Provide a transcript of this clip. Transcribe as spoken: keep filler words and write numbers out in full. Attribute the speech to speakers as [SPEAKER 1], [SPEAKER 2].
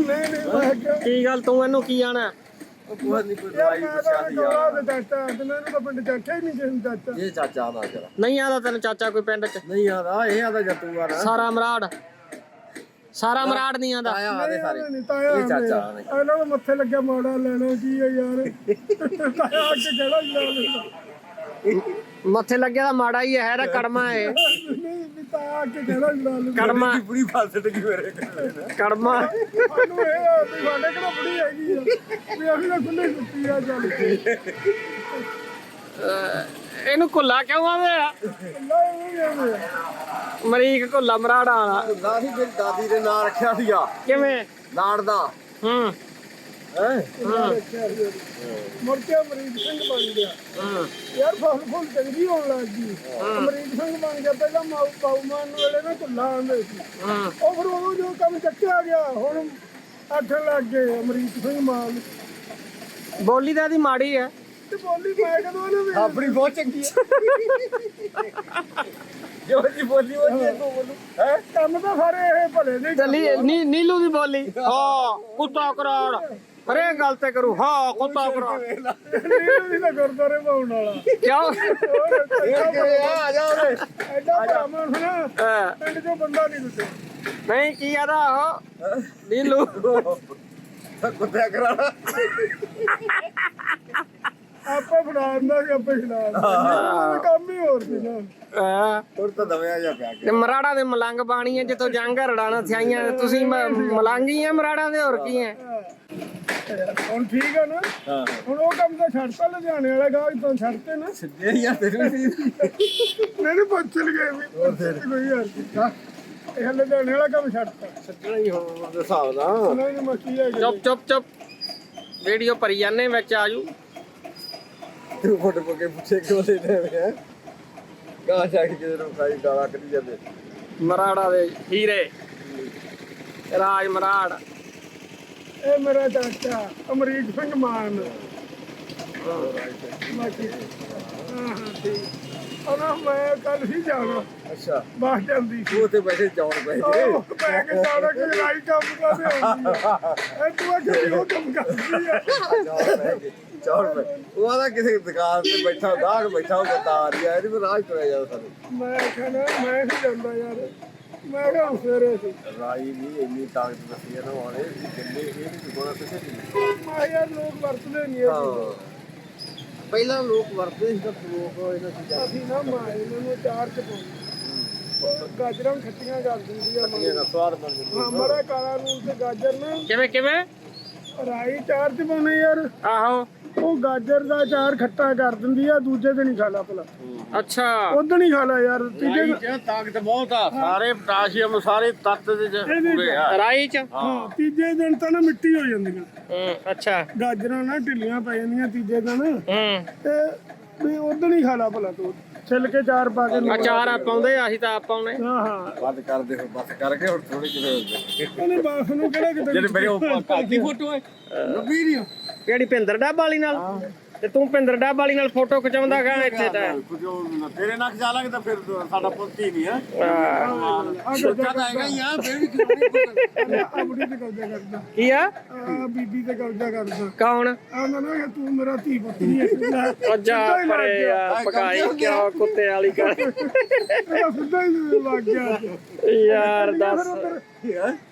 [SPEAKER 1] ਨਹੀਂ ਨਹੀਂ ਮੈਂ ਕਿਹਾ
[SPEAKER 2] ਕੀ ਗੱਲ ਤੂੰ ਇਹਨੂੰ ਕੀ ਆਣਾ
[SPEAKER 3] ਉਹ ਕੋਈ ਨਹੀਂ ਕੋਈ
[SPEAKER 1] ਯਾਰ
[SPEAKER 3] ਦਵਾਈ
[SPEAKER 1] ਮੈਂ
[SPEAKER 3] ਪੁੱਛਿਆ
[SPEAKER 1] ਤਾਂ
[SPEAKER 3] ਸੀ
[SPEAKER 1] ਗੌਰਾ
[SPEAKER 3] ਯਾਰ
[SPEAKER 1] ਦੇ ਚਾਚਾ ਤੇ ਮੈਨੂੰ ਤਾਂ ਪਿੰਡ ਚਾਚਾ ਹੀ ਨਹੀਂ ਕਿਸੇ ਨੂੰ ਚਾਚਾ
[SPEAKER 3] ਇਹ ਚਾਚਾ ਦਾ ਜਰਾ
[SPEAKER 2] ਨਹੀਂ ਆਦਾ ਤੈਨੂੰ ਚਾਚਾ ਕੋਈ ਪਿੰਡ ਚ
[SPEAKER 3] ਨਹੀਂ ਆਦਾ ਇਹ ਆਦਾ ਜੱਤੂ ਆ ਨਾ
[SPEAKER 2] ਸਾਰਾ ਮਰਾੜ ਸਾਰਾ ਮਰਾੜ ਨਹੀਂ ਆਂਦਾ
[SPEAKER 3] ਆਇਆ ਆਦੇ ਸਾਰੇ
[SPEAKER 1] ਨਹੀਂ ਤਾਇਆ
[SPEAKER 3] ਇਹ ਚਾਚਾ ਨਹੀਂ
[SPEAKER 1] ਇਹਨਾਂ ਨੂੰ ਮੱਥੇ ਲੱਗਿਆ ਮਾੜਾ ਲੈਣਾ ਕੀ ਹੈ ਯਾਰ ਤਾਇਆ ਅੱਗੇ ਕਿਹੜਾ ਹੀ ਲਾ ਲੈਂਦਾ
[SPEAKER 2] ਮੱਥੇ ਲੱਗਿਆ ਤਾਂ ਮਾੜਾ ਹੀ ਹੈ ਰਾ ਕੜਮਾ ਹੈ
[SPEAKER 1] ਨਹੀਂ ਵੀ ਤਾਇਆ ਅੱਗੇ ਕਿਹੜਾ ਹੀ ਲਾ ਲੈਂਦਾ
[SPEAKER 2] ਕੜਮਾ
[SPEAKER 3] ਪੂਰੀ ਫਾਸਟ ਕੀ ਮੇਰੇ
[SPEAKER 2] ਕੜਮਾ
[SPEAKER 1] ਸਾਨੂੰ ਇਹ ਆ ਵੀ ਸਾਡੇ ਕਿਹੜਾ ਬੁੜੀ ਹੈਗੀ ਆ ਵੀ ਅਸੀਂ ਤਾਂ ਖੁੱਲੇ ਸੁੱਤੀ ਆ ਚੱਲ
[SPEAKER 2] ਇਹਨੂੰ ਕੁੱਲਾ ਕਿਉਂ ਆਵੇ
[SPEAKER 1] ਨਹੀਂ
[SPEAKER 2] ਮਰੀਕ ਕੁੱਲਾ ਮਰਾੜਾ ਵਾਲਾ
[SPEAKER 3] ਦਾਦੀ ਮੇਰੀ ਦਾਦੀ ਦੇ ਨਾਂ ਰੱਖਿਆ ਸੀਗਾ
[SPEAKER 2] ਕਿਵੇਂ
[SPEAKER 3] ਲਾੜ ਦਾ
[SPEAKER 2] ਹੂੰ
[SPEAKER 3] ਹੈ
[SPEAKER 1] ਮੁੜ ਕੇ ਅਮਰੀਕ ਸਿੰਘ ਬਣ ਗਿਆ
[SPEAKER 2] ਹੂੰ
[SPEAKER 1] ਯਾਰ ਫਸਲ ਫੁੱਲ ਚੰਗੀ ਹੋਣ ਲੱਗ ਗਈ ਅਮਰੀਕ ਸਿੰਘ ਬਣ ਗਿਆ ਪਹਿਲਾਂ ਮਾਊ ਪਾਉਮਾਨ ਵੇਲੇ ਨਾ ਕੁੱਲਾ ਆਉਂਦੇ ਸੀ
[SPEAKER 2] ਹੂੰ
[SPEAKER 1] ਉਹ ਫਿਰ ਉਹ ਜੋ ਕੰਮ ਚੱਕਿਆ ਗਿਆ ਹੁਣ ਆਖਣ ਲੱਗ ਗਏ ਅਮਰੀਕ ਸਿੰਘ ਮਾਨ
[SPEAKER 2] ਬੋਲੀ ਤਾਂ ਇਹਦੀ ਮਾੜੀ ਹੈ
[SPEAKER 1] ਤੇ ਬੋਲੀ ਮੈਂ ਕਦੋਂ ਉਹਨੂੰ ਵੇਖ
[SPEAKER 3] ਆਪਣੀ ਬਹੁਤ ਚੰਗੀ ਹੈ ਜੋ ਜੀ ਬੋਲੀ ਉਹ ਜੀ ਤੂੰ ਬੋਲੂ ਹੈ
[SPEAKER 1] ਕੰਮ ਤਾਂ ਸਾਰੇ ਇਹ ਭਲੇ ਨਹੀਂ
[SPEAKER 2] ਚੱਲੀ ਨੀ ਨੀਲੂ ਦੀ ਬੋਲੀ ਹਾਂ ਕੁੱਤਾ ਕਰਾੜ ਹਰੇ ਗੱਲ ਤੇ ਕਰੂ ਹਾਂ ਕੁੱਤਾ ਕਰਾੜ
[SPEAKER 1] ਨਹੀਂ ਤਾਂ ਗੁਰਦਾਰੇ ਪਾਉਣ ਵਾਲਾ
[SPEAKER 2] ਕਿਉਂ
[SPEAKER 3] ਇਹ ਕਿਵੇਂ ਆ ਆ ਜਾ ਓਏ
[SPEAKER 1] ਐਡਾ ਭਰਾਵਾਂ ਨਾ
[SPEAKER 2] ਹਾਂ,
[SPEAKER 1] ਪਿੰਡ ਚੋਂ ਬੰਦਾ ਨਹੀਂ ਦਿੱਤੇ
[SPEAKER 2] ਨਹੀਂ ਕੀ ਆਦਾ ਉਹ ਨੀਲੂ
[SPEAKER 3] ਕੁੱਤਿਆ ਕਰਾਣਾ
[SPEAKER 1] ਆਪਾਂ ਫੜਾਉਂਦਾ ਸੀ ਆਪੇ ਖਿਲਾਉਂਦਾ ਕੰਮ ਹੀ ਹੋਰ ਸੀ ਨਾ
[SPEAKER 2] ਹਾਂ,
[SPEAKER 3] ਹੋਰ ਤਾਂ ਦਵਿਆ ਜਾ ਪਿਆ
[SPEAKER 2] ਤੇ ਮਰਾੜਾ ਦੇ ਮਲੰਗ ਬਾਣੀ ਹੈ ਜਿੱਥੋਂ ਜੰਗ ਰੜਾਣਾ ਸਿਆਈਆਂ ਤੁਸੀਂ ਮ- ਮਲੰਗ ਹੀ ਆ ਮਰਾੜਾ ਦੇ ਹੋਰ ਕੀ ਹੈ
[SPEAKER 1] ਹੁਣ ਠੀਕ ਆ ਨਾ
[SPEAKER 3] ਹਾਂ
[SPEAKER 1] ਹੁਣ ਉਹ ਕੰਮ ਤਾਂ ਛੱਡਤਾ ਲੁਧਿਆਣੇ ਵਾਲਾ ਗਾਹ ਤੋਂ ਛੱਡਤੇ ਨਾ
[SPEAKER 3] ਸਿੱਧੇ ਯਾਰ ਤੈਨੂੰ ਵੀ
[SPEAKER 1] ਨਹੀਂ ਪੁੱਛ ਲਗੇ ਵੀ ਕੋਈ ਯਾਰ ਇਹ ਲੁਧਿਆਣੇ ਵਾਲਾ ਕੰਮ ਛੱਡਤਾ
[SPEAKER 3] ਸੱਜਣਾ ਹੀ ਹੋਣ ਦੇ ਹਿਸਾਬ ਨਾਲ
[SPEAKER 1] ਉਹਨਾਂ ਨੇ ਮੱਕੀ ਹੈ
[SPEAKER 2] ਚੁੱਪ ਚੁੱਪ ਚੁੱਪ ਵੀਡੀਓ ਭਰੀ ਜਾਂਦੇ ਵਿੱਚ ਆਜੂ
[SPEAKER 3] ਤੂੰ ਫੋਟੋ ਪਾ ਕੇ ਪੁੱਛੇ ਕਿਉਂ ਲੈ ਰਹੇ ਹੈ ਕਹਾਂ ਜਾ ਕੇ ਕਿਤੇ ਨੂੰ ਖਾਈ ਗਾਲਾਂ ਕੱਢੀ ਜਾਂਦੇ
[SPEAKER 2] ਮਰਾੜਾ ਦੇ ਹੀਰੇ ਰਾਜ ਮਰਾੜ
[SPEAKER 1] ਇਹ ਮੇਰਾ ਚਾਚਾ ਅਮਰੀਕ ਸਿੰਘ ਮਾਨ ਮੱਕੀ ਹਾਂ ਹਾਂ ਠੀਕ ਉਹਨਾਂ ਮੈਂ ਕੱਲ ਹੀ ਜਾਣਾ
[SPEAKER 3] ਅੱਛਾ
[SPEAKER 1] ਬਾਹਰ ਜਾਂਦੀ ਸੀ
[SPEAKER 3] ਉਹ ਤੇ ਪੈਸੇ ਚੌਣ ਪਏ
[SPEAKER 1] ਉਹ ਮੈਂ ਕਿ ਸਾਰਾ ਕਿ ਲੜਾਈ ਕੰਮ ਕਰਦੇ ਹੁੰਦੀ ਆ ਇਹ ਤੂੰ ਆ ਕਿ ਉਹ ਕੰਮ ਕਰਦੀ ਆ
[SPEAKER 3] ਚੌਣ ਪਏ ਉਹ ਆਦਾ ਕਿਸੇ ਦੁਕਾਨ ਤੇ ਬੈਠਾ ਗਾਹਕ ਬੈਠਾ ਉਹ ਬਤਾ ਰਿਹਾ ਇਹਦੇ ਕੋਲ ਰਾਜ ਤੁਰਿਆ ਜਾਂਦਾ ਸਾਨੂੰ
[SPEAKER 1] ਮੈਂ ਕਹਿੰਦਾ ਮੈਂ ਨਹੀਂ ਜਾਂਦਾ ਯਾਰ ਮੈਂ ਕਿਹਾ ਸਵੇਰੇ ਸੀ
[SPEAKER 3] ਰਾਈ ਨਹੀਂ ਇੰਨੀ ਤਾਕਤ ਦੱਸੀ ਨਾ ਵਾਲੇ ਜਿੰਨੇ ਇਹ ਨਹੀਂ ਕੋਣਾ ਕਿਸੇ ਦੀ
[SPEAKER 1] ਮੈਂ ਯਾਰ ਲੋਕ ਵਰਤਦੇ ਨਹੀਂ ਇਹ
[SPEAKER 3] ਹਾਂ ਪਹਿਲਾਂ ਲੋਕ ਵਰਤਦੇ ਸੀ ਤਾਂ ਲੋਕ ਇਹਨਾਂ ਚੀਜ਼ਾਂ
[SPEAKER 1] ਅਸੀਂ ਨਾ ਮਾਂ ਇਹਨਾਂ ਨੂੰ ਚਾਰ ਚ ਪਾਉਂਦੇ ਉਹ ਗਾਜਰਾਂ ਖੱਟੀਆਂ ਕਰ ਦਿੰਦੀ ਆ
[SPEAKER 3] ਦਾ ਸਵਾਦ ਬਣ ਜਾਂਦਾ
[SPEAKER 1] ਹਾਂ ਮਰਾ ਕਾਲਾ ਨੂਨ ਤੇ ਗਾਜਰ ਨਾ
[SPEAKER 2] ਕਿਵੇਂ ਕਿਵੇਂ
[SPEAKER 1] ਰਾਈ ਚਾਰ ਚ ਪਾਉਣੇ ਯਾਰ
[SPEAKER 2] ਆਹੋ
[SPEAKER 1] ਉਹ ਗਾਜਰ ਦਾ ਚਾਰ ਖੱਟਾ ਕਰ ਦਿੰਦੀ ਆ ਦੂਜੇ ਦਿਨ ਹੀ ਖਾ ਲਾ ਭਲਾ
[SPEAKER 2] ਅੱਛਾ
[SPEAKER 1] ਉਦੋਂ ਹੀ ਖਾ ਲਾ ਯਾਰ ਤੀਜੇ ਦਿਨ-
[SPEAKER 3] ਚ ਤਾਕਤ ਬਹੁਤ ਆ ਸਾਰੇ ਪੋਟਾਸ਼ੀਅਮ ਸਾਰੇ ਤੱਤ ਦੇ ਚ ਪੂਰੇ ਆ
[SPEAKER 2] ਰਾਈ ਚ
[SPEAKER 1] ਹਾਂ ਤੀਜੇ ਦਿਨ ਤਾਂ ਨਾ ਮਿੱਟੀ ਹੋ ਜਾਂਦੀਆਂ
[SPEAKER 2] ਹੂੰ ਅੱਛਾ
[SPEAKER 1] ਗਾਜਰਾਂ ਨਾ ਢਿੱਲੀਆਂ ਪੈ ਜਾਂਦੀਆਂ ਤੀਜੇ ਦਿਨ
[SPEAKER 2] ਹੂੰ
[SPEAKER 1] ਤੇ ਵੀ ਉਦੋਂ ਹੀ ਖਾ ਲਾ ਭਲਾ ਤੂੰ ਛਿੱਲ ਕੇ ਚਾਰ ਪਾ ਕੇ
[SPEAKER 2] ਅਚਾਰ ਆ ਪਾਉਂਦੇ ਅਸੀਂ ਤਾਂ ਆਪ ਪਾਉਣੇ
[SPEAKER 1] ਹਾਂ ਹਾਂ
[SPEAKER 3] ਬੰਦ ਕਰਦੇ ਹੋ ਬਸ ਕਰਕੇ ਹੁਣ ਥੋੜੀ ਜਿਹੀ
[SPEAKER 1] ਉਹਨੇ ਬਾਸ ਨੂੰ ਕਿਹੜਾ ਕਿਤੇ
[SPEAKER 3] ਜਿਹੜੇ ਮੇਰੇ ਉਹ ਕਾਦੀ ਫੋਟੋ ਹੈ ਵੀਡੀਓ
[SPEAKER 2] ਕਿਹੜੀ ਭਿੰਦਰ ਡੱਬ ਵਾਲੀ ਨਾਲ ਤੇ ਤੂੰ ਭਿੰਦਰ ਡੱਬ ਵਾਲੀ ਨਾਲ ਫੋਟੋ ਖਿਚਾਉਂਦਾ ਗਾ ਇੱਥੇ ਤਾਂ
[SPEAKER 3] ਤੇਰੇ ਨਾਲ ਖਿਚਾ ਲਾਂਗੇ ਤਾਂ ਫਿਰ ਸਾਡਾ ਪੁੱਤ ਹੀ ਨਹੀਂ ਹੈ
[SPEAKER 2] ਆਹ,
[SPEAKER 3] ਛੋਟਾ ਤਾਂ ਹੈਗਾ ਹੀ ਆ ਫਿਰ ਵੀ ਕਿਉਂ ਨਹੀਂ
[SPEAKER 1] ਆ ਬੁੜੀ ਤੇ ਕਬਜ਼ਾ ਕਰਦਾ
[SPEAKER 2] ਕੀ ਆ
[SPEAKER 1] ਆ ਬੀਬੀ ਤੇ ਕਬਜ਼ਾ ਕਰਦਾ
[SPEAKER 2] ਕੌਣ
[SPEAKER 1] ਆਂਦਾ ਨਾ ਕਿ ਤੂੰ ਮੇਰਾ ਧੀ ਪੁੱਤ ਨਹੀਂ ਹੈ
[SPEAKER 2] ਉਹ ਜਾ ਪਰੇ ਯਾਰ ਪਕਾਈ ਕਿਉਂ ਕੁੱਤੇ ਵਾਲੀ ਕਰ
[SPEAKER 1] ਸਿੱਧਾ ਹੀ ਲੱਗ ਗਿਆ
[SPEAKER 2] ਯਾਰ ਦੱਸ
[SPEAKER 1] ਫਿਰ ਉੱਧਰ